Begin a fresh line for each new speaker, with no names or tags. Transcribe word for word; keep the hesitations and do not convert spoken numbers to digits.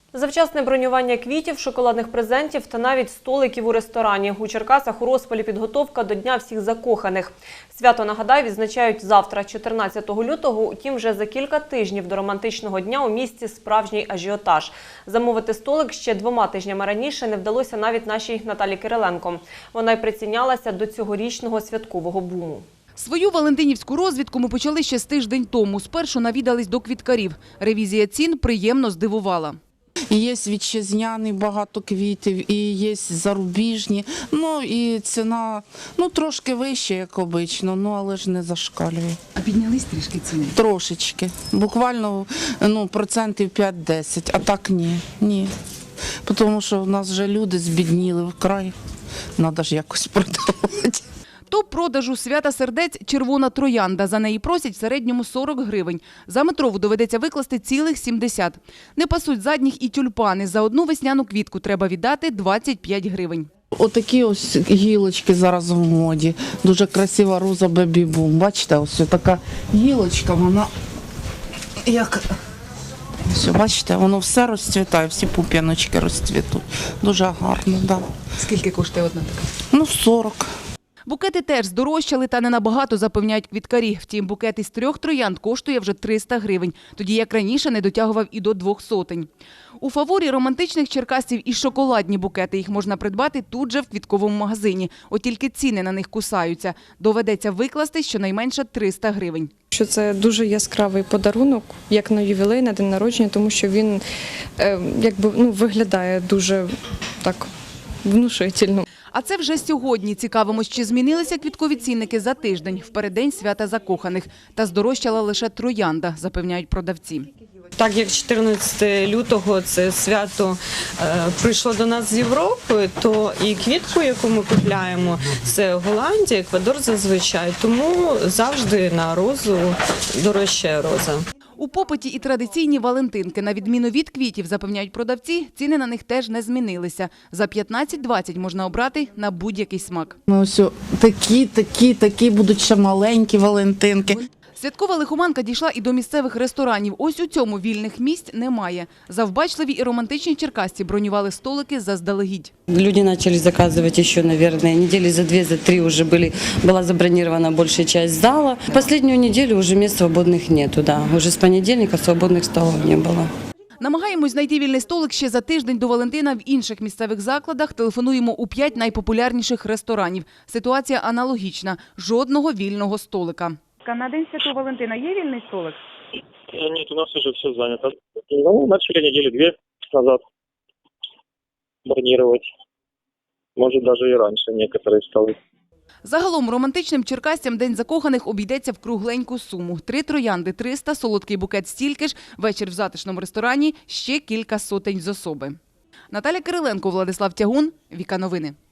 Завчасне бронювання квітів, шоколадних презентів та навіть столиків у ресторані. У Черкасах у розпалі підготовка до Дня всіх закоханих. Свято, нагадаю, відзначають завтра, чотирнадцятого лютого. Утім, вже за кілька тижнів до романтичного дня у місті справжній ажіотаж. Замовити столик ще двома тижнями раніше не вдалося навіть нашій Наталі Кириленко. Вона й прицінялася до цьогорічного святкового буму.
Свою валентинівську розвідку ми почали ще з тиждень тому. Спершу навідались до квіткарів. Ревізія цін приємно здивувала.
Є вітчизняні багато квітів, і є зарубіжні. Ну і ціна ну, трошки вища, як обично, ну, але ж не зашкалює.
А піднялись трішки ціни?
Трошечки. Буквально ну, процентів п'ять-десять, а так ні. ні. Тому що в нас вже люди збідніли вкрай. Треба ж якось продавати.
Топ продажу свята сердець – червона троянда. За неї просять в середньому сорок гривень. За метрову доведеться викласти цілих сімдесят. Не пасуть задніх і тюльпани. За одну весняну квітку треба віддати двадцять п'ять гривень.
Отакі ось гілочки зараз в моді. Дуже красива роза бебі-бум. Бачите, ось така гілочка, вона як... Ось, бачите, воно все розцвітає, всі пуп'яночки розцвітуть. Дуже гарно, так. Да.
Скільки коштує одна така?
Ну, сорок.
Букети теж здорожчали та не набагато, запевняють квіткарі. Втім, букет із трьох троянд коштує вже триста гривень. Тоді, як раніше, не дотягував і до двох сотень. У фаворі романтичних черкасців і шоколадні букети. Їх можна придбати тут же в квітковому магазині. От тільки ціни на них кусаються. Доведеться викласти щонайменше триста гривень.
Що це дуже яскравий подарунок, як на ювілей, на день народження, тому що він е, якби, ну, виглядає дуже так внушительно.
А це вже сьогодні. Цікавимось, чи змінилися квіткові цінники за тиждень, в переддень свята закоханих. Та здорожчала лише троянда, запевняють продавці.
Так як чотирнадцятого лютого це свято е, прийшло до нас з Європи, то і квітку, яку ми купляємо, це Голландія, Еквадор зазвичай. Тому завжди на розу дорожчає роза.
У попиті і традиційні валентинки. На відміну від квітів, запевняють продавці, ціни на них теж не змінилися. За п'ятнадцять-двадцять можна обрати на будь-який смак.
Ось такі, такі, такі будуть ще маленькі валентинки.
Святкова лихоманка дійшла і до місцевих ресторанів. Ось у цьому вільних місць немає. Завбачливі і романтичні черкасці бронювали столики заздалегідь.
Люди начали заказывать еще, наверное, недели за две, за три уже были, была забронирована большая часть зала. Последнюю неделю уже мест свободных нету, да. Уже с понедельника свободных столов не было.
Намагаємось знайти вільний столик ще за тиждень до Валентина в інших місцевих закладах. Телефонуємо у п'ять найпопулярніших ресторанів. Ситуація аналогічна. Жодного вільного столика.
На День Святого Валентина є вільний столик?
Нет, у нас уже все занято. Ну, начали недели две назад бронировать. Может, даже и раньше некоторые столы.
Загалом романтичним черкасцям День закоханих обійдеться в кругленьку суму. Три троянди – триста, солодкий букет – стільки ж, вечір в затишному ресторані – ще кілька сотень з особи. Наталя Кириленко, Владислав Тягун, Віка Новини.